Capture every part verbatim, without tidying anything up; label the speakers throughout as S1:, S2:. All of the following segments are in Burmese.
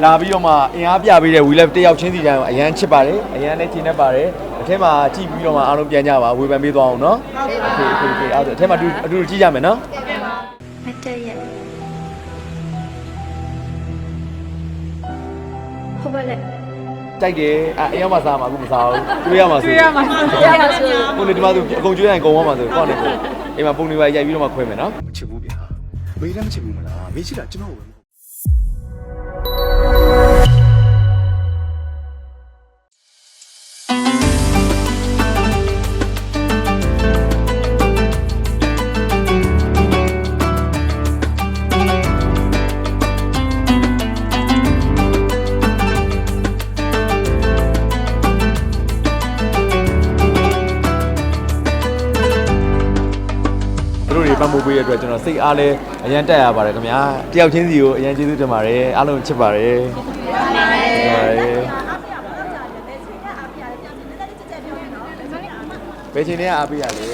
S1: လာပြီးတော့မှအင်အားပြပေးတဲ့ we love တယောက်ချင်းစီတိုင်းကိုအရန်ချစ်ပါတယ်အရန်လည်းချိန်နေပါတယ်အထက်မှာကြည့်ပြီးတော့မှအားလုံးပြန်ကြပါဝေဖန်ပေးသွားအောင်နော်โอเคโอเคโอเคအဲ့ဒါအထက်မှာအတူအတူကြည့်ကြမယ်နော်
S2: မတည့်ရဲ့ဟုတ်ပါလေ
S1: တိုက်တယ်အဲအရောက်မှစားမှာအခုမစားဘူးတွေးရမှာဆို
S2: တွေးရမှာတွေးရမှာဆို
S1: ကိုနေဒီမှာသူအကုန်ကျွေးရင်ကုန်သွားမှာဆိုကောက်နေကိုအိမ်မှာပုံတွေပါရိုက်ပြီးတော့မှခွဲမယ်နော်
S3: မချစ်ဘူးဗျာမေးလည်းမချစ်ဘူးမလားမေးချစ်တာကျွန်တော်ပဲ
S1: ပတ်မှုပေးရတဲ့အတွက်ကျွန်တော်စိတ်အားလဲအရန်တက်ရပါတယ်ခင်ဗျာတယောက်ချင်းစီကိုအရန်ကျေးဇူးတင်ပါတယ်အားလုံးချစ်ပါတယ်ဘယ်ချိန်တည်းအားပေးရလဲ
S2: ဆ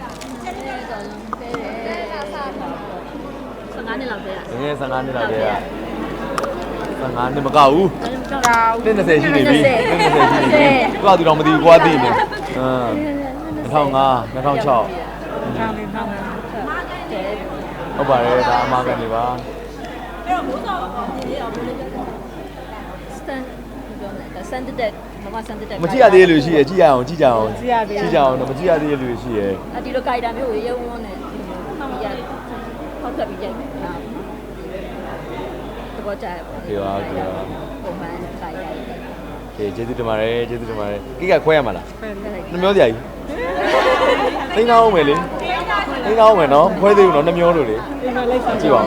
S2: ယ်ငါးနှစ်လောက်တည်း
S1: ငယ်ဆယ်ငါးနှစ်လောက်တည်းဆယ်ငါးနှစ်မကောက်ဘူးနှစ်၂၀ရှိနေပြီနှစ်၂၀ရှိနေပြီသူကသူတော့မသိဘူးကွာသိနေဟမ်၂၀၀၅ ၂၀၀၆ဟုတ်ပါတယ်ဒါအမှားကနေပါ
S2: အဲ့တော့မိုးစောဒီအောင်လို့စတန်ဒါစန်တက်မမစန်တက်
S1: မကြည့်ရသေးလို့ရှိရကြည့်ရအောင်ကြည့်ကြအောင်ကြည့်ရသေးကြည့်ကြအောင်တော့မကြည့်ရသေးလို့ရှိရ
S2: အဒီလိုကြိုက်တာမျိုးကိုရုံဝန်းနေဟောက်ရဟောက်ဆက်ပြီးကြိုက်တာတော့ကြိုက်ပါ
S1: ဒီပါဒီပါ
S2: ပုံမှန်ကြိုက်ရတယ်
S1: ကဲကျေးဇူးတင်ပါတယ်ကျေးဇူးတင်ပါတယ်ကိကခွဲရမှာလားနှမျောစရာကြီးသိန်းသားအောင်မယ်လေသိန်းသားအောင်မယ်နော်ခွဲသေးဘူးနော်နှမျောလို့လေကြည့်ပါဦး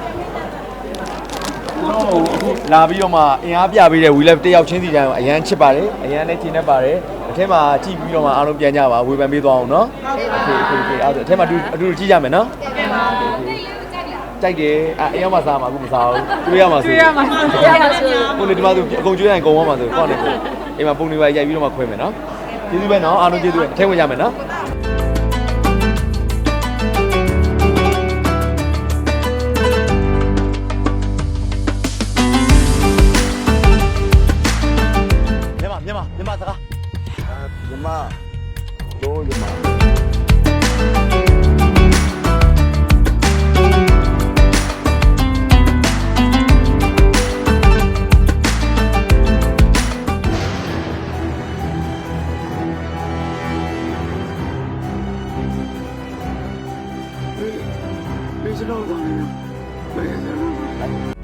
S1: လာပြီးတော့မှအင်အားပြပေးတဲ့ we love တယောက်ချင်းစီတိုင်းကိုအရန်ချစ်ပါတယ်အရန်လည်းချိန်နေပါတယ်အထက်မှာကြည့်ပြီးတော့မှအားလုံးပြန်ကြပါဝေဖန်ပေးသွားအောင်နော်โอเคโอเคโอเคအဲ့ဒါအထက်မှာအတူအတူကြည့်ကြမယ်နော်တိုက်တယ်အဲအရောက်မှစားမှာအခုမစားဘူးတွေးရမှာဆို
S2: တွေးရမှာတွေးရမှာဆို
S1: ကိုနေဒီမှာသူအကုန်ကျွေးရင်ကုန်သွားမှာဆိုကောက်နေကိုအိမ်မှာပုံတွေပါရိုက်ပြီးတော့မှခွဲမယ်နော်ကျေးဇူးပဲနော်အားလုံးကျေးဇူးပဲအထက်ဝင်ကြမယ်နော်မြန်မာမြန်မာစကား
S3: မြန်မာတို့မြန်မာဘယ်လိုလုပ်လဲ